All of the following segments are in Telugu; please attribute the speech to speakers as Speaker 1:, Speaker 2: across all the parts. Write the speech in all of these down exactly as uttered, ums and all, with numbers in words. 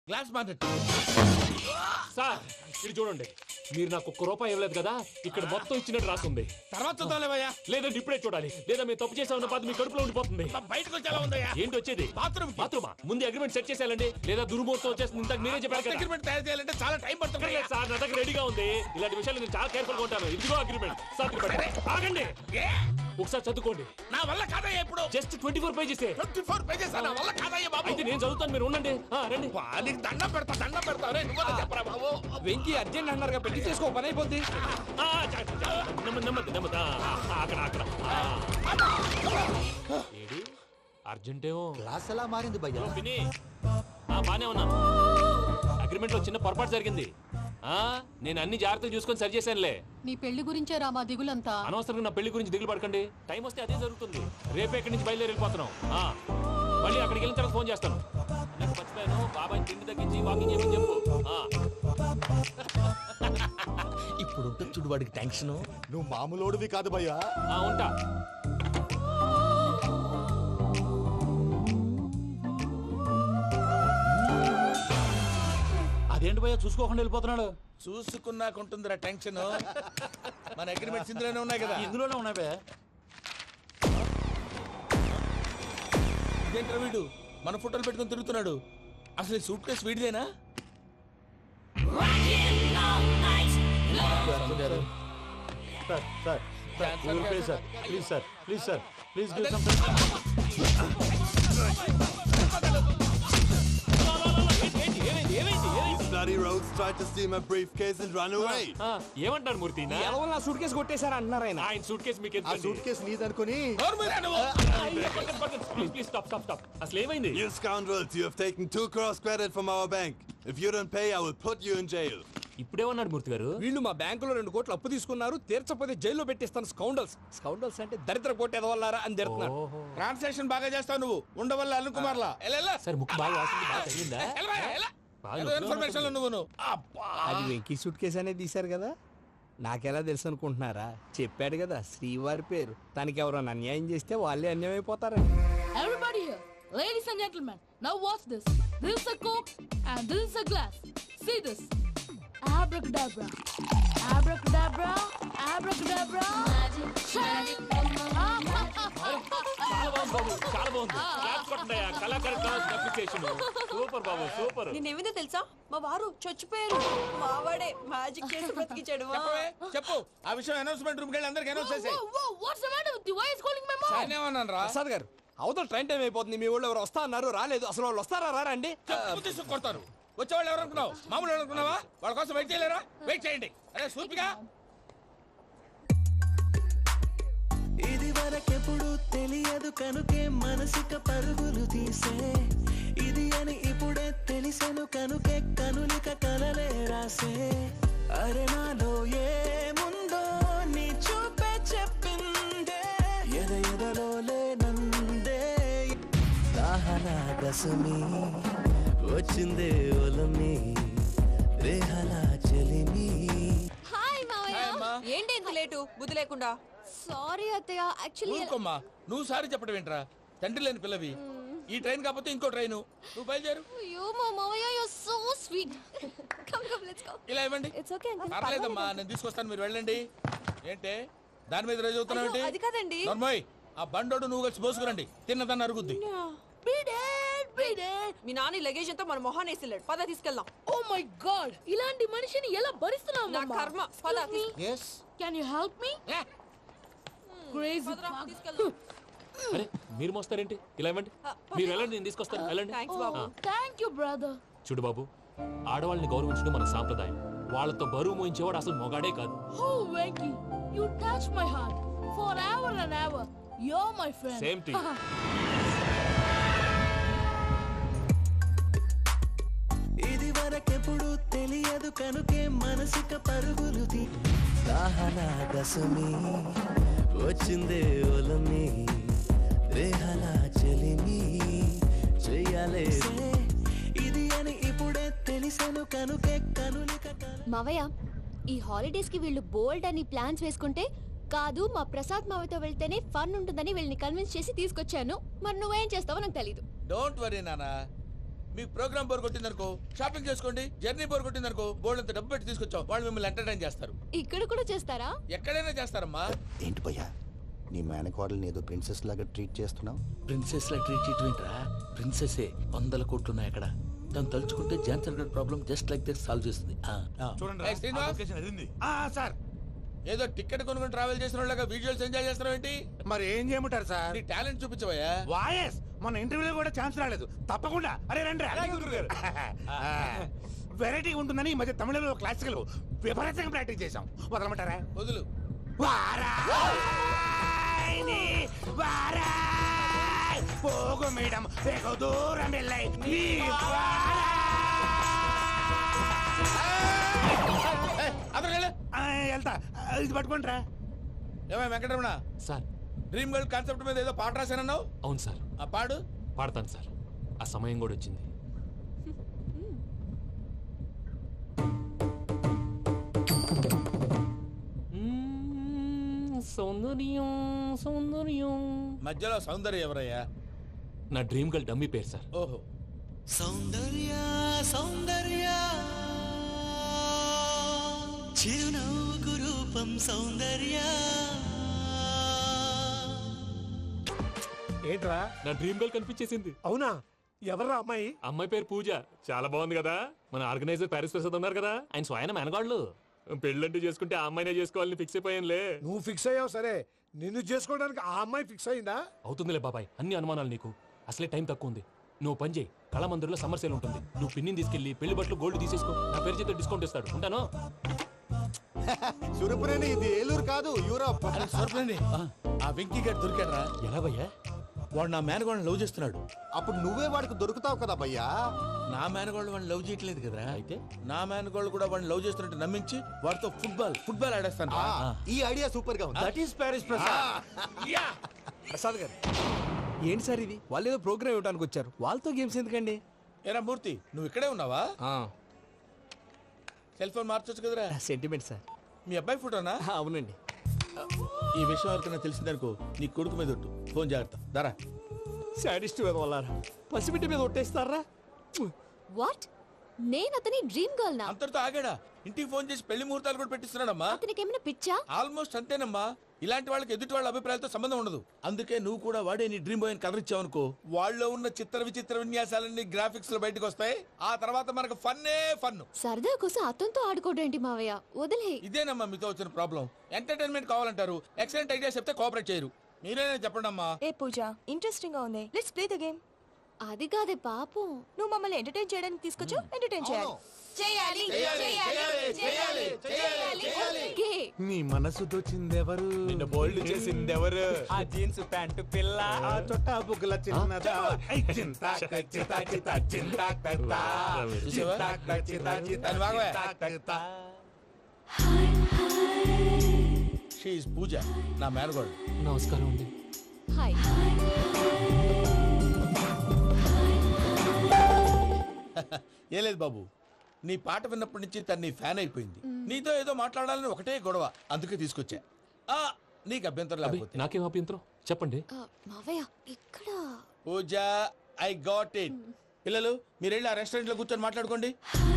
Speaker 1: Glass market.
Speaker 2: సార్ ఇది చూడండి, మీరు నాకు ఒక్క రూపాయి ఇవ్వలేదు కదా, ఇక్కడ మొత్తం ఇచ్చినట్టు రాస్తుంది.
Speaker 1: తర్వాత చూద్దాంలేవయ్యా.
Speaker 2: లేదంటే ఇప్పుడే చూడాలి, లేదా మేము తప్పు చేసామన్న బాధ మీ కడుపులో ఉండిపోతుంది.
Speaker 1: బయటకు వచ్చేలా ఉందయ్యా.
Speaker 2: ఏంటి వచ్చేది?
Speaker 1: బాత్రూమ్
Speaker 2: బాత్రూమా? ముందు అగ్రిమెంట్ సెట్ చేసేయాలండి, లేదా దుర్మూర్తం వచ్చేస్తుంది. ఇంతకు మీరే చెప్పారు కదా.
Speaker 1: అగ్రిమెంట్ తయారు చేయాలంటే చాలా టైం పడుతుంది
Speaker 2: లేదు సార్, నా దగ్గర రెడీగా ఉంది. ఇలాంటి విషయాలు నేను చాలా కేర్ఫుల్ గా ఉంటాను. ఇదిగో అగ్రిమెంట్. సార్ ఆగండి, ఒకసారి చదువుకోండి.
Speaker 1: నా వల్ల కాదయ్యా. ఇప్పుడు
Speaker 2: just twenty four pages.
Speaker 1: Twenty four pages నా వల్ల కాదయ్యా బాబు.
Speaker 2: అయితే నేను చదువుతాను, మీరు ఉండండి. రండి.
Speaker 1: నీకు దండం పెడతా, దండం పెడతా. రే నువ్వు చెప్పరా బాబు.
Speaker 3: వెంకీ అర్జెంట్ అన్నారుగా, పెళ్లి చేసుకో, పని అయిపోద్ది.
Speaker 2: నెమ్మది నెమ్మది నెమ్మది. అక్కడ అక్కడ ఏడి అర్జెంటేమో.
Speaker 4: క్లాస్ ఎలా మారింది భయ్యా?
Speaker 2: విని బానే ఉన్నాను. అగ్రిమెంట్ లో చిన్న పొరపాటు జరిగింది. ఆ నేను అన్ని జాగ్రత్తగా చూసుకొని సరి చేశానులే.
Speaker 5: నీ పెళ్లి గురించే రా మా దిగులంతా.
Speaker 2: అనవసరంగా నా పెళ్లి గురించి దిగులు పడకండి. టైం వస్తే అదే జరుగుతుంది. రేపే ఇక్కడి నుంచి బయలుదేరి వెళ్ళిపోతున్నాం. ఆ మళ్ళీ అక్కడికి వెళ్ళిన తర్వాత ఫోన్ చేస్తాను. నాకు మర్చిపోయాను, బాబాయ్ తిండి తగ్గించి వాకింగ్ చేయమని చెప్పు.
Speaker 1: ఇప్పుడు ఉంటుంది చూడు వాడికి టెన్షన్.
Speaker 4: నువ్వు మామూలోడివి కాదు భయ్యా.
Speaker 2: ఉంటా.
Speaker 4: అదేంటి భయ్యా చూసుకోకుండా వెళ్ళిపోతున్నాడు?
Speaker 1: చూసుకున్నాకుంటుందిరా టెన్షన్. మన అగ్రిమెంట్స్ ఇందులోనే ఉన్నాయి కదా.
Speaker 4: ఇందులోనే ఉన్నాయి భయ్యా.
Speaker 1: ఇదేంట్రా వీడు మన ఫోటోలు పెట్టుకొని తిరుగుతున్నాడు. అసలు సూట్ కేసు వీడిదేనా?
Speaker 4: Sir sir sir please sir please sir please give some.
Speaker 6: Bloody rogues tried to steal my briefcase and run away.
Speaker 2: ఏమంటారు మూర్తి?
Speaker 3: ఎవరో నా సూట్ కేసు కొట్టేశారా అంటున్నారు ఆయన.
Speaker 2: ఆయన సూట్ కేసు మీకు
Speaker 4: ఆ సూట్ కేసు నీదనుకొని.
Speaker 2: Please please stop stop stop. అసలు ఏమైంది?
Speaker 6: You scoundrels, you have taken two crores credit from our bank. If you don't pay, I will put you in jail.
Speaker 2: ఇప్పుడేమన్నాడు మూర్తి గారు?
Speaker 3: వీళ్ళు మా బ్యాంకులో రెండు కోట్లు అప్పు తీసుకున్నారు, తీర్చపోతే జైల్లో పెట్టిస్తాను. స్కౌండల్స్ స్కౌండల్స్ అంటే దరిద్ర కోట ఎదవల్లారా అని తిడుతున్నారు.
Speaker 1: ట్రాన్సాక్షన్ బాగా చేస్తావు నువ్వు. ఉండవల్ల అల్లు కుమార్ లా.
Speaker 2: సార్ ముక్కు బాగా వాసింది, బాగా తగిలిందా?
Speaker 1: ఇన్ఫర్మేషన్ నువ్వు.
Speaker 3: అది వెంకీ సూట్ కేసు అనేది తీశారు కదా, నాకెలా తెలుసు అనుకుంటున్నారా? చెప్పాడు కదా శ్రీవారి పేరు. తనకి ఎవరైనా అన్యాయం చేస్తే వాళ్ళే అన్యాయం అయిపోతారని.
Speaker 5: Everybody here, ladies and gentlemen, now watch this. This is a coke and this is a glass. See this. Abracadabra. Abracadabra. Abracadabra. Magic.
Speaker 2: చాలా బాగుంది బాబు, చాలా బాగుంది. క్లాప్స్ కొట్టండి. కళాకారు క్లాస్ అప్లికేషన్ సూపర్ బాబు, సూపర్.
Speaker 7: నేనేమిందో తెలుసా, మా వారు చచ్చిపోయారు. మావాడే మ్యాజిక్ చేసి బ్రతికించాడు.
Speaker 1: చెప్పు ఆ విషయం. అనౌన్స్మెంట్ రూమ్ కెళ్ళి అందరికి అనౌన్స్ చేసేయ్.
Speaker 5: Whoa, whoa, what's the matter with you? Why is calling my mom?
Speaker 1: నేనేమన్నాను రా?
Speaker 3: ప్రసాద్ గారు, అవతల ట్రైన్ టైం అయిపోతుంది. మీ వాళ్ళు ఎవరు వస్తా అన్నారు, రాలేదు. అసలు వాళ్ళు వస్తారా రారా అండి?
Speaker 1: చెప్పు తీసుకు కొడతారు. వచ్చేవాళ్ళు ఎవరు అనుకున్నావు? మామూలు ఎవరు అనుకున్నావా? వాళ్ళ కోసం వెయిట్ చేయలేరా? వెయిట్ చేయండి. అరే సూపిగా.
Speaker 8: ఇది వరకెప్పుడు తెలియదు కనుకే మనసుక పరుగులు తీసే, ఇది అని ఇప్పుడే తెలిసెను కనుకే కనులిక కలలే రాసే. అరే నాలో ఏముందో నీ చూపే చెప్పిందే, ఎద ఎదలో లేనందే. దాహనా దశమి వచ్చిందే ఒలమి రేహలా చెలిమి.
Speaker 7: హాయ్ మావయ్య. ఏంటి ఇంత లేటు? బుద్ధి లేకుండా. సారీ అత్తయ్య, యాక్చువల్లీ.
Speaker 1: ఊరుకోమ్మా, నువ్వు సారీ చెప్పడం ఏంట్రా? తండ్రి లేని పిల్లవి. ఈ ట్రైన్ కాకపోతే ఇంకో ట్రైన్. నువ్వు బయలుదేరు.
Speaker 7: అయ్యో మా మావయ్య, you are so sweet. Come come let's go.
Speaker 1: ఇలా ఇవ్వండి.
Speaker 7: It's okay uncle.
Speaker 1: పర్లేదమ్మా, నేను తీసుకొస్తాను, మీరు వెళ్ళండి. ఏంటే దాని మీద రోజు అవుతున్నావు ఏంటి?
Speaker 7: అది కాదండి.
Speaker 1: నర్మోయ్, ఆ బండోడు నువ్వు కలిసి పోసుకురండి. తిన్నదాన్ని అరుగుద్ది.
Speaker 7: మీ నాని లగేజ్ అంతా మన మొహాన్ వేసిల్లాడు. పద తీసుకెళ్దాం.
Speaker 5: Oh my god, ఇలాంటి మనిషిని ఎలా భరిస్తున్నావు?
Speaker 7: నా కర్మ. పద.
Speaker 4: yes
Speaker 5: Can you help me? Crazy.
Speaker 7: తీసుకెళ్దాం.
Speaker 2: అరే మీరు మోస్తారేంటి? ఇలా ఇవ్వండి. మీరు వెళ్ళండి, నేను తీసుకొస్తాను. వెళ్ళండి.
Speaker 7: థాంక్స్ బాబు.
Speaker 5: Thank you brother.
Speaker 2: చూడు బాబు, ఆడవాళ్ళని గౌరవించడం మన సాంప్రదాయం. వాళ్ళతో బరువు మోయించేవాడు అసలు మొగాడే కాదు.
Speaker 5: Oh Venki, you touch my heart forever and ever. You're my friend.
Speaker 2: Same to you.
Speaker 8: ఇది వరకెప్పుడు తెలియదు కనుకే మనసుక పరుగులు తీ. దాహనా దశమి వచ్చిందే ఒలమి రేహలా చెలిమి చెయ్యాలే. ఇది అని ఇప్పుడే తెలిసెను కనుకే కనులిక.
Speaker 9: మావయ్య, ఈ హాలిడేస్ కి వీళ్ళు బోల్డ్ అని ప్లాన్స్ వేసుకుంటే, కాదు మా ప్రసాద్ మావయ్యతో వెళ్తేనే ఫన్ ఉంటుందని వీళ్ళని కన్విన్స్ చేసి తీసుకొచ్చాను. మరి నువ్వేం చేస్తావో నాకు తెలీదు.
Speaker 1: డోంట్ వరీ నానా, మీకు ప్రోగ్రామ్ బోర్ కొట్టిందనుకో షాపింగ్ చేసుకోండి, జర్నీ బోర్ కొట్టిందనుకో బోర్డు అంత డబ్బు పెట్టి తీసుకొచ్చాం, వాళ్ళు మిమ్మల్ని ఎంటర్టైన్ చేస్తారు.
Speaker 9: ఇక్కడ కూడా చేస్తారా?
Speaker 1: ఎక్కడైనా చేస్తారమ్మా.
Speaker 10: ఏంటి భయ్యా నీ మేనకోడల్ని ఏదో ప్రిన్సెస్ లాగా ట్రీట్ చేస్తున్నావు?
Speaker 11: ప్రిన్సెస్ లా ట్రీట్ చేయటమేంట్రా? ప్రిన్సెస్ వందల కోట్లు ఉన్నాయి అక్కడ. తను తలుచుకుంటే జాన్సన్ గడ్ problem just like this solve చేస్తుంది.
Speaker 1: ఏయ్ శ్రీనివాస్,
Speaker 4: సార్
Speaker 1: ఏదో టికెట్ కొనుక్కొని ట్రావెల్ చేసిన వాళ్ళగా విజువల్స్ ఎంజాయ్ చేస్తున్నావు ఏంటి?
Speaker 4: మరి ఏం చేయమంటారు సార్?
Speaker 1: నీ టాలెంట్ చూపించవయ్యా.
Speaker 4: వాయస్ మన ఇంటర్వ్యూలో కూడా ఛాన్స్ రాలేదు. తప్పకుండా అరే రండి వెరైటీ ఉంటుందని ఈ మధ్య తమిళంలో క్లాసికల్ విపరీతంగా ప్రాక్టీస్ చేశాం. వదలమంటారా?
Speaker 1: వదులు.
Speaker 4: వారాయని వారాయ్ పోగు మేడం వెగు దూరం వెళ్ళై నీ వారాయ్.
Speaker 1: ఏయ్, అతను వెళ్ళు.
Speaker 4: ఆ, వెళ్తా. ఇది పట్టుకుంటారా?
Speaker 1: ఏమై Venkataramana,
Speaker 2: sir
Speaker 1: dream girl concept మీద ఏదో పాట రాశానన్నావు.
Speaker 2: అవును సార్,
Speaker 1: ఆ పాడు.
Speaker 2: పాడతాను సార్. ఆ సమయం కూడా వచ్చింది. మ్మ్, సౌందర్యం సౌందర్యం.
Speaker 1: మధ్యలో సౌందర్య ఎవరయ్యా?
Speaker 2: నా డ్రీమ్ గర్ల్ డమ్మీ పేరు సార్.
Speaker 1: ఓహో,
Speaker 8: సౌందర్య సౌందర్య చిరునవ్వుకు రూపం సౌందర్య.
Speaker 4: ఏంట్రా?
Speaker 2: నా డ్రీమ్ గర్ల్ కనిపించేసింది.
Speaker 4: అవునా? ఎవరా అమ్మాయి?
Speaker 2: అమ్మాయి పేరు పూజ. చాలా బాగుంది కదా. మన ఆర్గనైజర్ ప్యారిస్ ప్రసాద్ ఉన్నారు కదా, ఆయన స్వయం మెనగాళ్ళు. పెళ్ళంటూ చేసుకుంటే ఆ అమ్మాయినే చేసుకోవాలని ఫిక్స్ అయిపోయానులే.
Speaker 4: నువ్వు ఫిక్స్ అయ్యావు సరే, నిన్ను చేసుకోవడానికి ఆ అమ్మాయి ఫిక్స్ అయిందా?
Speaker 2: అవుతుందిలే బాబాయ్, అన్ని అనుమానాలు నీకు. అసలే టైం తక్కువ ఉంది. నువ్వు పని చేయి, కళామందిర్లో సమ్మర్ సేల్ ఉంటుంది. నువ్వు పిన్నిని తీసుకెళ్లి పెళ్లి బట్టలు గోల్డ్ తీసేసుకో. నా పేరు చేత డిస్కౌంట్ ఇస్తాడు. ఉంటాను.
Speaker 10: సురపురేని ఇది ఏలూరు కాదు, యూరోప్.
Speaker 1: ఆ వెంకీ గారు దొరికాడరా?
Speaker 2: ఎలా భయ్యా?
Speaker 1: వాడు నా మేనగోళ్ళని లవ్ చేస్తున్నాడు.
Speaker 10: అప్పుడు నువ్వే వాడికి దొరుకుతావు కదా భయ్యా.
Speaker 1: నా మేనగోళ్ళు వాడిని లవ్ చేయట్లేదు కదరా. అయితే నా మేనగోళ్ళు కూడా వాడిని లవ్ చేస్తున్నట్టు నమ్మించి వాడితో ఫుట్బాల్ ఫుట్బాల్ ఆడేస్తాను.
Speaker 10: ఆ, ఈ ఐడియా సూపర్ గా ఉంది.
Speaker 4: That is Paris Prasad.
Speaker 3: Prasad garu ఏంటి సార్ ఇది? వాళ్ళు ఏదో ప్రోగ్రామ్ ఇవ్వడానికి వచ్చారు, వాళ్ళతో గేమ్స్ ఎందుకండి?
Speaker 1: ఏరా మూర్తి, నువ్వు ఇక్కడే ఉన్నావా?
Speaker 3: ఆ,
Speaker 1: సెల్ ఫోన్ మార్చొచ్చు కదరా.
Speaker 3: Sentiment sir.
Speaker 1: మీ అబ్బాయి ఫోటోనా?
Speaker 3: ఆ, అవునండి.
Speaker 1: ఈ విషయం ఎవరికైనా తెలిసిందనుకో నీ కొడుకు మీద ఒట్టు. ఫోన్ జాగ్రత్త. దరా
Speaker 3: సాడిస్ట్ మీద వాళ్ళారా? పసిబిడ్డ మీద ఒట్టేస్తారా?
Speaker 9: వాట్? నేను అతని డ్రీమ్ గర్ల్ నా?
Speaker 1: అంతటితో ఆగాడా? ఇంటికి ఫోన్ చేసి పెళ్లి ముహూర్తాలు కూడా పెట్టిస్తున్నాడమ్మా.
Speaker 9: అతనికి ఏమైనా పిచ్చా?
Speaker 1: ఆల్మోస్ట్ అంతేనమ్మా. ఇలాంటి వాళ్ళకి ఎదుటి వాళ్ళ అభిప్రాయాలతో సంబంధం ఉండదు. అందుకే నువ్వు కూడా వాడే నీ డ్రీమ్ బాయ్ కవర్ ఇచ్చావనుకో, వాళ్ళలో ఉన్న చిత్ర విచిత్ర విన్యాసాలన్నీ గ్రాఫిక్స్ లో బయటకు వస్తాయి. ఆ తర్వాత మనకు ఫన్నే ఫన్.
Speaker 9: సరదా కోసం అతనితో ఆడుకోవడేంటి మావయ్య? వదిలే.
Speaker 1: ఇదేనమ్మా మీతో వచ్చిన ప్రాబ్లం. ఎంటర్టైన్మెంట్ కావాలంటారు, ఎక్సలెంట్ ఐడియా చెప్తే కోఆపరేట్ చేయరు. మీరేనా చెప్పండి అమ్మా.
Speaker 7: ఏ పూజ, ఇంట్రెస్టింగ్ గా ఉంది. Let's play the game.
Speaker 9: అది కాదే పాపం.
Speaker 7: నువ్వు మమ్మల్ని ఎంటర్టైన్ చేయడానికి తీసుకొచ్చు, ఎంటర్టైన్ చేయాలి. చేయాలి
Speaker 1: చేయాలి, చేయాలి, చేయాలి, చేయాలి, చేయాలి.
Speaker 9: ఓకే.
Speaker 4: నీ మనసు దోచిందెవరు?
Speaker 3: నిన్న బోల్డ్ చేసింది ఎవరు? ఆ జీన్స్ ప్యాంటు పిల్ల,
Speaker 4: ఆ చొట్టా బుగ్గల చిన్నదా. ఐ చింతా చితా చితా చింతా కత్తా.
Speaker 1: చూసావా? దాన్ని వాగవే. She is పూజ, నా మేనగోడు.
Speaker 2: నమస్కారం అండి.
Speaker 9: హాయ్.
Speaker 1: ఏ లేదు బాబు, నీ పాట విన్నప్పటి నుంచి తను నీ ఫ్యాన్ అయిపోయింది. నీతో ఏదో మాట్లాడాలని ఒకటే గొడవ, అందుకే తీసుకొచ్చా. ఆ, నీకు అభ్యంతరం
Speaker 2: అబ్బే,
Speaker 1: లేకపోతే.
Speaker 2: నాకేం అభ్యంతరం చెప్పండి.
Speaker 9: ఆ, మావయ్య ఇక్కడ.
Speaker 1: Pooja, I got it. పిల్లలు మీరు వెళ్ళి ఆ రెస్టారెంట్ లో కూర్చొని మాట్లాడుకోండి.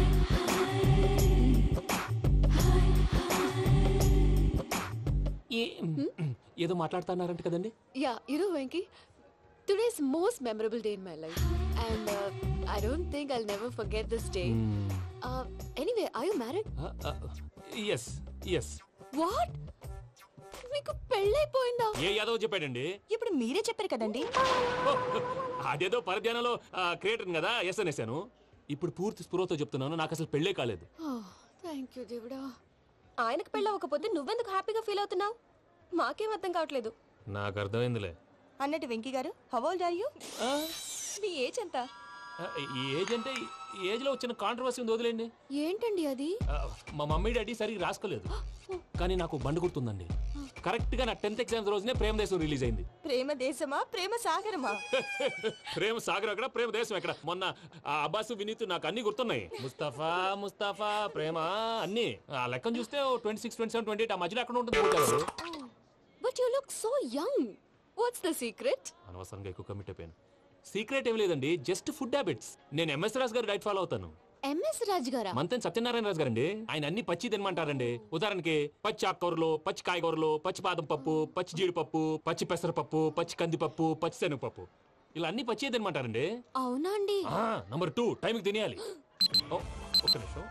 Speaker 2: ఏ- ఏదో మాట్లాడుతున్నారంట కదండి.
Speaker 9: Yeah, you know Venky, today's most memorable day in my life and I don't think I'll never forget this day. Anyway, are you married?
Speaker 2: Yes yes.
Speaker 9: What? మీకు పెళ్ళైపోయిందా?
Speaker 2: ఏ యాదవ్ చెప్పాడండి?
Speaker 7: ఇప్పుడు మీరే చెప్పారు కదండి.
Speaker 2: ఓ, అదేదో పరధ్యానంలో క్రియేటర్ కదా ఎస్ అనేసాను. ఇప్పుడు పూర్తి స్పృహతో చెప్తున్నాను, నాకు అసలు పెళ్ళే కాలేదు.
Speaker 9: థ్యాంక్ యూ దేవుడా.
Speaker 7: ఆయనకు పెళ్ళవకపోతే నువ్వెందుకు హ్యాపీగా ఫీల్ అవుతున్నావు? మాకేం అర్థం కావట్లేదు.
Speaker 2: నాకు అర్థమైందిలే.
Speaker 7: అన్నట్టు Venky garu, how old are you? మీ ఏజ్ ఎంత?
Speaker 2: ఆ, ఈ ఏజ్ అంటే ఈ ఏజ్ లో వచ్చిన కాంట్రవర్సీ ఉంది, వదిలేండి.
Speaker 9: ఏంటండి అది?
Speaker 2: ఆ, మా మమ్మీ డాడీ సరిగ్గా రాసుకోలేదు, కానీ నాకు బండి గుర్తుందండి. కరెక్ట్ గా నా టెన్త్ ఎగ్జామ్స్ రోజునే ప్రేమ దేశం రిలీజ్ అయింది.
Speaker 7: ప్రేమ దేశమా ప్రేమ సాగరమా?
Speaker 2: ప్రేమ సాగర్ అక్కడ, ప్రేమ దేశం ఎక్కడ. మొన్న ఆ అబ్బాసు వినీత్ నాకు అన్ని గుర్తున్నాయి. ముస్తఫా ముస్తఫా ప్రేమ అన్ని. ఆ లెక్కను చూస్తే twenty six twenty seven twenty eight ఆ మధ్యలో అక్కడ ఉంటుంది.
Speaker 9: But you look so young. What's the secret?
Speaker 2: అనవసరంగా ఎక్కువ కమిట్ అయిపోయాను. సీక్రెట్ ఏం లేదండి, జస్ట్ ఫుడ్ హ్యాబిట్స్. నేను M S Raju garu diet follow అవుతాను.
Speaker 9: ఎంఎస్ రాజ్ గారా?
Speaker 2: మంతెన్ సత్యనారాయణ రాజు గారండి. ఆయన అన్ని పచ్చి తినమంటారండి. ఉదాహరణకి పచ్చి ఆకుకూరలు, పచ్చి కాయగూరలు, పచ్చి బాదం పప్పు, పచ్చి జీడిపప్పు, పచ్చి పెసరపప్పు, పచ్చి కందిపప్పు, పచ్చి శనగపప్పు, ఇలా అన్ని పచ్చి తినమంటారండి.
Speaker 9: అవునా అండి?
Speaker 2: నంబర్ టూ, టైంకి తినేయాలి. ఓ, ఒక్క నిమిషం.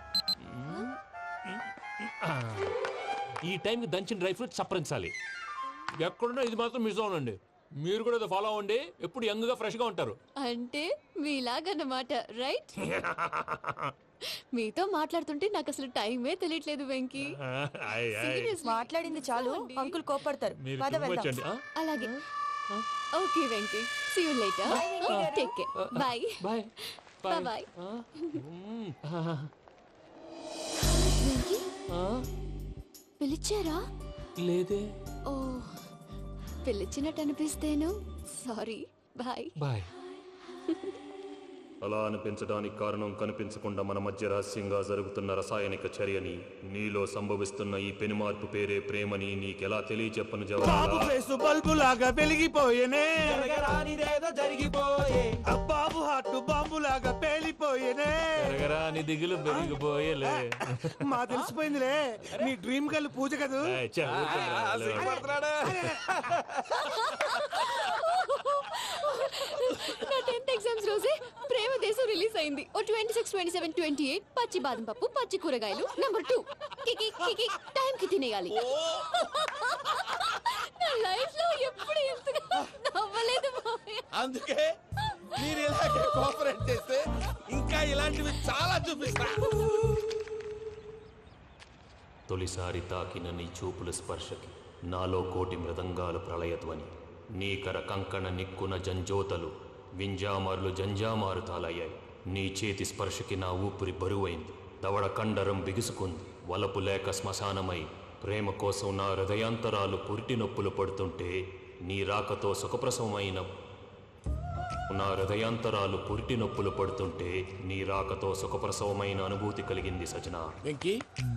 Speaker 2: ఆ, ఈ టైంకి దంచిన డ్రై ఫ్రూట్స్ సప్పరించాలి. ఎక్కడున్నా ఇది మాత్రం మిస్ అవునండి. మీరు కూడా ఫాలో అవ్వండి, ఎప్పుడు యంగ్ గా ఫ్రెష్ గా ఉంటారు.
Speaker 9: అంటే మీలాగన్నమాట, రైట్? మీతో మాట్లాడుతుంటే నాకు అసలు టైమే తెలియట్లేదు వెంకీ. Seriously.
Speaker 7: మాట్లాడింది చాలు, అంకుల్ కోపడతారు.
Speaker 2: మీరు
Speaker 7: పద
Speaker 2: too much
Speaker 7: వెళ్దాం.
Speaker 2: అండి. ఆ?
Speaker 9: అలాగే. Okay Venky, see you later. Take care. Bye.
Speaker 2: Bye
Speaker 9: bye bye. Venky, పిలిచారా?
Speaker 2: లేదే.
Speaker 9: ఓ, పిలిచినట్టు అనిపిస్తేను. సారీ. Bye
Speaker 2: bye.
Speaker 12: అలా అనిపించడానికి కారణం కనిపించకుండా మన మధ్య రహస్యంగా జరుగుతున్న రసాయనిక చర్యని, నీలో సంభవిస్తున్న ఈ పెనుమార్పు పేరే ప్రేమని నీకెలా తెలియచెప్పను జవాబు?
Speaker 4: బల్బు లాగా వెలిగిపోయేనే,
Speaker 3: జరిగిపోయే
Speaker 4: బాబు హార్ట్ బాంబు లాగా పేలిపోయేనే.
Speaker 2: నీ దిగులు పెరిగిపోయేలే.
Speaker 4: మా తెలిసిపోయిందిలే, నీ డ్రీమ్ గర్ల్ పూజ కదూ.
Speaker 9: నా టెన్త్ ఎగ్జామ్స్ రోజే ప్రేమ దేశం రిలీజ్ అయింది. ఓ twenty six twenty seven twenty eight పచ్చి బాదం పప్పు, పచ్చి కూరగాయలు. నంబర్ టూ, కికి కికి టైం కి తినేయాలి. నా లైఫ్ లో ఎప్పుడు ఇంతగా నవ్వలేదు మామయ్య.
Speaker 1: అందుకే మీరు ఇలాగే కోఆపరేట్ చేస్తే ఇంకా ఇలాంటివి చాలా చూపిస్తా.
Speaker 12: తొలిసారి తాకిన నీ చూపుల స్పర్శకి నాలో కోటి మృదంగాలు ప్రళయధ్వని, నీకర కంకణ నిక్కున జంజోతలు వింజామారులు జంజామారు తాలయ్యాయి. నీ చేతి స్పర్శకి నా ఊపిరి బరువైంది, దవడ కండరం బిగుసుకుంది. వలపు లేక శ్మశానమై ప్రేమ కోసం నా హృదయాంతరాలు పురిటి నొప్పులు పడుతుంటే, నీ రాకతో సుఖప్రసవమైన నా హృదయాంతరాలు పురిటి నొప్పులు పడుతుంటే నీ రాకతో సుఖప్రసవమైన అనుభూతి కలిగింది సజనా.
Speaker 1: వెంకీ,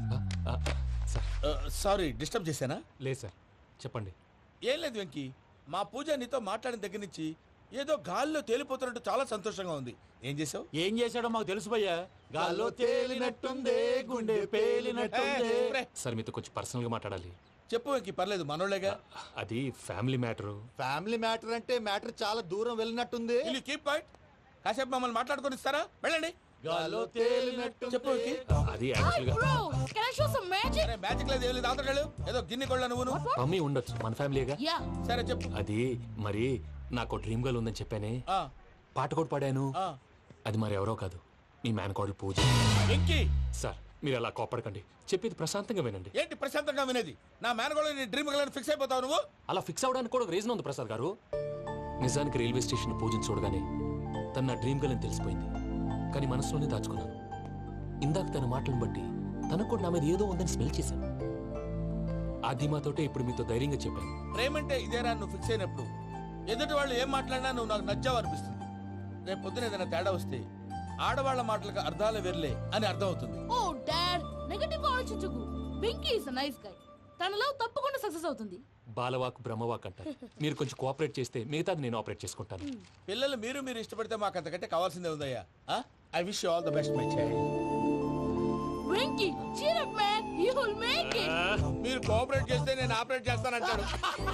Speaker 1: సారీ డిస్టర్బ్ చేశానా?
Speaker 2: లేదు సార్, చెప్పండి.
Speaker 1: ఏం లేదు వెంకీ, మా పూజ నీతో మాట్లాడిన దగ్గర నుంచి ఏదో గాల్లో తేలిపోతున్నట్టు చాలా సంతోషంగా ఉంది. ఏం చేసావు?
Speaker 4: ఏం చేశాడో మాకు తెలుసు భయ్యా. గాల్లో తేలినట్టుందే, గుండె పేలినట్టుందే.
Speaker 2: సార్ మీతో కొంచెం పర్సనల్ గా మాట్లాడాలి.
Speaker 1: చెప్పు వెంకీ, పర్లేదు, మనోళ్ళేగా.
Speaker 2: అది ఫ్యామిలీ మ్యాటరు.
Speaker 10: ఫ్యామిలీ మ్యాటర్ అంటే మ్యాటర్ చాలా దూరం వెళ్ళినట్టుంది.
Speaker 1: Keep point. కాసేపు మమ్మల్ని మాట్లాడుకొని ఇస్తారా? వెళ్ళండి.
Speaker 10: గాల్లో తేలినట్టు
Speaker 1: చెప్పు వెంకీ.
Speaker 2: అది యాక్చువల్ గా
Speaker 5: Bro, can I show some magic?
Speaker 1: అరే మ్యాజిక్ లేదు, ఏం లేదు, ఆతడాలు ఏదో గిన్నె కొళ్ళ నువ్వు.
Speaker 2: మమ్మీ ఉండొచ్చు, మన ఫ్యామిలీగా.
Speaker 5: Yeah.
Speaker 1: సరే చెప్పు.
Speaker 2: అది మరి నాకు డ్రీమ్ గర్ల్ ఉందని చెప్పానే,
Speaker 1: ఆ,
Speaker 2: పాట కూడా పాడాను.
Speaker 1: ఆ.
Speaker 2: అది మరి ఎవరో కాదు, మీ మేనకోడలు పూజ.
Speaker 1: వెంకీ,
Speaker 2: సార్ మీరు అలా కోపడకండి, చెప్పేది ప్రశాంతంగా వినండి.
Speaker 1: ఏంటి ప్రశాంతంగా వినేది? నా మేనగోళ నీ డ్రీమ్ గలని ఫిక్స్ అయిపోతావు నువ్వు.
Speaker 2: అలా ఫిక్స్ అవడానికి కూడా ఒక రీజన్ ఉంది ప్రసాద్ గారు. నిజానికి రైల్వే స్టేషన్ పూజను చూడగానే తన నా డ్రీమ్ గర్ల్ అని తెలిసిపోయింది, కానీ మనసులోనే దాచుకున్నాను. ఇందాక తన మాటలను బట్టి తనకు కూడా నా మీద ఏదో ఉందని స్మెల్ చేశాను. ఆ ధీమాతోటే ఇప్పుడు మీతో ధైర్యంగా చెప్పాను.
Speaker 1: ప్రేమంటే ఇదేరా నువ్వు ఫిక్స్ అయినప్పుడు ఎదుటి వాళ్ళు ఏం మాట్లాడినా నువ్వు నాకు నచ్చావు అనిపిస్తుంది. రేపు పొద్దున ఏదైనా తేడా వస్తే ఆడవాళ్ల మాటలకు అర్థాలు వెర్లే అని అర్థం అవుతుంది.
Speaker 5: Oh, Dad, నెగటివ్ ఆలోచించకు. Venky is a nice guy. తన లవ్ తప్పకుండా సక్సెస్ అవుతుంది.
Speaker 2: బాలవాక్ బ్రహ్మవాక్ అంటారు. మీరు కొంచెం కోఆపరేట్ చేస్తే మిగతాది నేను ఆపరేట్ చేసుకుంటాను.
Speaker 1: పిల్లలు మీరు మీరు ఇష్టపడితే మాకు అంతకంటే కావాల్సిందే ఉందయ్యా. I wish you all the best my child.
Speaker 5: Venky, cheer up man, you will make it.
Speaker 1: మీరు కోఆపరేట్ చేస్తే నేను ఆపరేట్ చేస్తానంటాడు.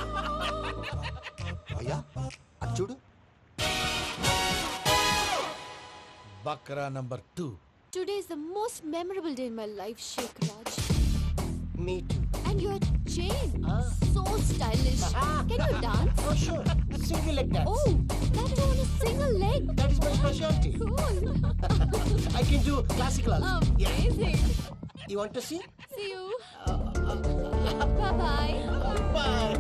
Speaker 10: అయ్యా అది చూడు.
Speaker 1: బక్రా number two.
Speaker 9: Today is the most memorable day in my life, Sheikh Raj.
Speaker 10: Me too.
Speaker 9: And your chain, so stylish. Can you dance?
Speaker 10: Oh sure. Single leg dance.
Speaker 9: Oh, that is on a single leg.
Speaker 10: That is my specialty.
Speaker 9: Cool.
Speaker 10: I can do classical also.
Speaker 9: Amazing.
Speaker 10: You want to see?
Speaker 9: See you. Bye bye.
Speaker 10: Bye.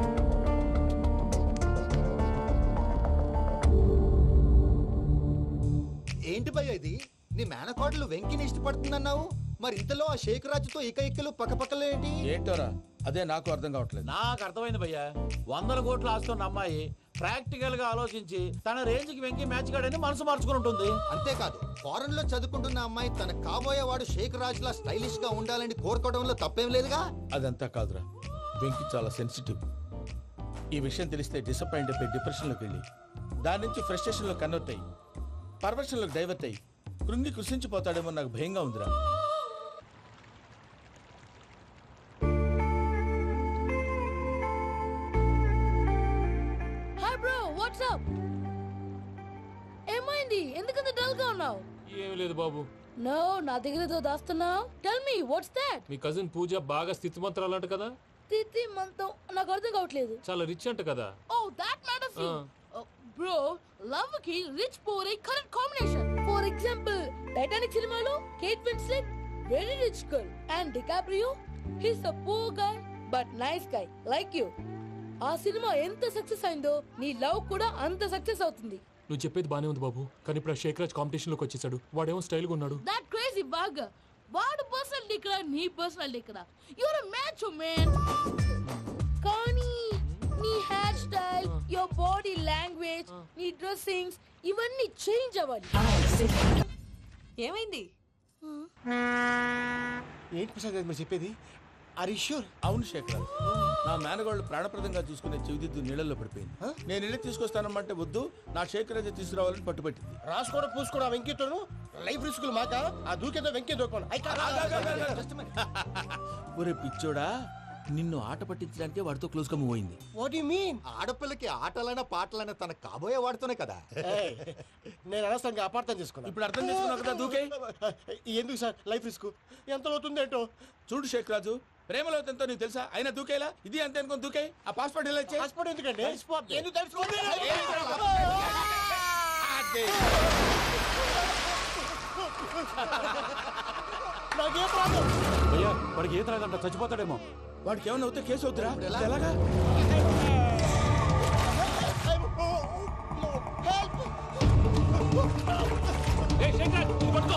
Speaker 10: ఏంటి భయ్య ఇది? నీ మేనకోడలు వెంకిని ఇష్టపడుతుందన్నావు, మరి ఇంతలో ఆ షేక్ రాజుతో ఇక ఇక్కలు పక్కపక్కలు ఏంటి?
Speaker 1: ఏంటోరా, అదే నాకు అర్థం కావట్లేదు.
Speaker 4: నాకు అర్థమైంది భయ్యా. వందల కోట్లు ఆస్తున్న అమ్మాయి ప్రాక్టికల్ గా ఆలోచించి తన రేంజ్ కి వెంకి మ్యాచ్ కాడని మనసు మార్చుకుని ఉంటుంది.
Speaker 10: అంతేకాదు, ఫారెన్ లో చదువుకుంటున్న అమ్మాయి తన కాబోయేవాడు షేక్ రాజ్ లా స్టైలిష్ గా ఉండాలని కోరుకోవడంలో తప్పేం లేదుగా.
Speaker 1: అదంతా కాదురా, వెంకి చాలా సెన్సిటివ్. ఈ విషయం తెలిస్తే డిసప్పాయింట్ అయిపోయి డిప్రెషన్ లోకి వెళ్ళి దాని నుంచి ఫ్రస్ట్రేషన్ లో కన్వర్ట్ అయ్యి పర్వర్షన్ లోకి డైవర్ట్ అయ్యి కృంగి కృషించిపోతాడేమో నాకు భయంగా ఉందిరా.
Speaker 5: Hi bro what's up? ఏమైంది? ఎందుకంత డల్ గా ఉన్నావు?
Speaker 2: ఏమీ లేదు బాబు.
Speaker 5: నో, నా దగ్గర ఏదో దాస్తున్నావు. Tell me what's that?
Speaker 2: మీ కజిన్ పూజ బాగా స్థితిమంతరాలు అంట కదా.
Speaker 5: తిత్తి మంతం నాకు అర్థం కావట్లేదు.
Speaker 2: చాలా రిచ్ అంట కదా.
Speaker 5: ఓ దట్ మ్యాటర్ ఫీ. బ్రో, లవ్ కి rich poor a correct combination. For example Titanic సినిమాలో Kate Winslet very rich girl and DiCaprio he's a poor guy but nice guy like you. ఆ సినిమా ఎంత సక్సెస్ అయిందో నీ లవ్ కూడా అంత సక్సెస్ అవుతుంది.
Speaker 2: నువ్వు చెప్పేది బానే ఉంది బాబు, కానీ ఇప్పుడు షేక్ రాజ్ కాంపిటీషన్ లోకి వచ్చేసాడు. వాడేమో స్టైల్ గా ఉన్నాడు.
Speaker 5: That crazy bag. వాడు పర్సనాలిటీ ఇక్కడ, నీ పర్సనాలిటీ ఇక్కడ. You're a match man. కానీ నీ hair style, your body language, నీ డ్రెస్సింగ్స్ ఇవన్నీ చేంజ్ అవ్వాలి.
Speaker 7: ఏమైంది?
Speaker 3: ఏంటి ప్రసాద్ గారు మీరు చెప్పేది? Are you sure?
Speaker 1: అవును శేఖర్, నా మేనగోళ్ళు ప్రాణప్రదంగా చూసుకునే చెవిదిద్దు నీళ్ళల్లో పడిపోయింది. నేను ఇల్లు తీసుకొస్తానమ్మంటే వద్దు, నా శేఖర్ అయితే తీసుకురావాలని పట్టుబట్టింది.
Speaker 3: రాసుకోవడం పూసుకోవడం వెంకీతోను లైఫ్ రిస్కులు మాక ఆ దూకేదో వెంకీ దూకోను.
Speaker 1: ఒరే పిచ్చోడా, నిన్ను ఆట పట్టించడానికి వాడితో క్లోజ్ గా మూవ్ అయింది.
Speaker 3: What you mean?
Speaker 10: ఆడపిల్లకి ఆటలైనా పాటలైనా తన కాబోయే వాడుతూనే కదా.
Speaker 3: నేను అనవసరంగా అపార్థం చేసుకున్నా.
Speaker 1: ఇప్పుడు అర్థం చేసుకున్నావు కదా దూకే.
Speaker 3: ఎందుకు సార్ లైఫ్ రిస్క్ ఎంత అవుతుంది ఏంటో?
Speaker 1: చూడు షేక్ రాజు, ప్రేమలో ఎంతో నీకు తెలుసా? అయినా దూకేలా ఇది అంతే అనుకుని దూకే. ఆ పాస్పోర్ట్ ఎలా ఇచ్చే?
Speaker 3: పాస్పోర్ట్ ఎందుకండి? ఎందుకు తెలుసుకోండి? నాకేం ప్రాబ్లం?
Speaker 4: భయ్యా వాడికి ఈత రాదంట, చచ్చిపోతాడేమో.
Speaker 1: వాడికి ఏమన్నా అవుతే కేసు అవుతురా? ఎలాగా?
Speaker 2: ఏయ్ షేక్ రాజ్, ఇది పట్టుకో.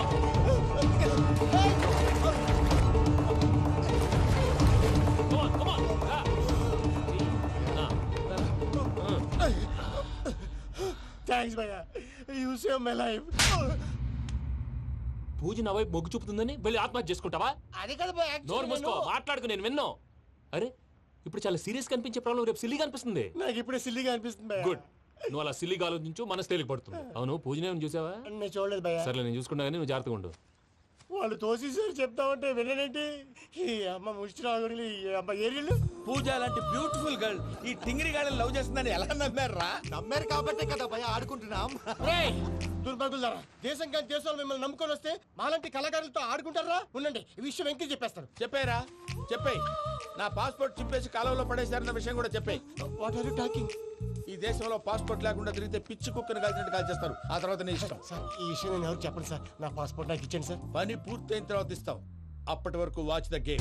Speaker 2: Come on, come on. Ah. Ah.
Speaker 3: Thanks భయ్యా, you save my life.
Speaker 2: Pooja నా వైపు మొగ్గు చూపుతుందని వెళ్ళి ఆత్మహత్య చేసుకుంటావా?
Speaker 3: అది కదా భయ్యా.
Speaker 2: నోరు మూసుకో, మాట్లాడుకు, నేను విన్నాను. అరే ఇప్పుడు చాలా సీరియస్ కనిపించే ప్రాబ్లం రేపు సిల్లీగా అనిపిస్తుంది.
Speaker 3: నాకు ఇప్పుడే సిల్లీగా అనిపిస్తుంది భయ్యా.
Speaker 2: గుడ్, నువ్వు అలా సిల్లీగా ఆలోచించు, మనసు తేలిక పడుతుంది. అవును పూజనే చూసావా?
Speaker 3: నేను చూడలేదు భయ్యా.
Speaker 2: సర్లే నేను చూసుకున్నా కానీ నువ్వు జాగ్రత్తగా ఉండు.
Speaker 3: వాళ్ళు తోసేసారు చెప్తామంటే విననేంటి? ఈ అమ్మ ముష్టి రాగుడి అమ్మ ఏరియలు.
Speaker 1: పూజ లాంటి బ్యూటిఫుల్ గర్ల్ ఈ టింగిరి గాడిని లవ్ చేస్తుందని ఎలా నమ్మారా?
Speaker 10: నమ్మారు కాబట్టే కదా భయ ఆడుకుంటున్నాం.
Speaker 3: దుర్భగులారా, దేశం కానీ దేశంలో మిమ్మల్ని నమ్ముకొని వస్తే మాలాంటి కళాకారులతో ఆడుకుంటారా? ఉండండి, ఈ విషయం వెంకీ చెప్పేస్తాను.
Speaker 1: చెప్పారా? చెప్పేయ్. నా పాస్పోర్ట్ చింపేసి కాలువలో పడేశారన్న విషయం కూడా చెప్పేయ్.
Speaker 3: What are you talking?
Speaker 1: ఈ దేశంలో పాస్పోర్ట్ లేకుండా తిరిగితే పిచ్చి కుక్కను కాల్చినట్టు కాల్చేస్తారు. ఆ తర్వాత నీ ఇష్టం.
Speaker 3: సార్ ఈ విషయం నేను ఎవరు చెప్పండి సార్. నా పాస్పోర్ట్ నాకు ఇచ్చండి సార్.
Speaker 1: పని పూర్తయిన తర్వాత ఇస్తాం. అప్పటి వరకు వాచ్ ద గేమ్.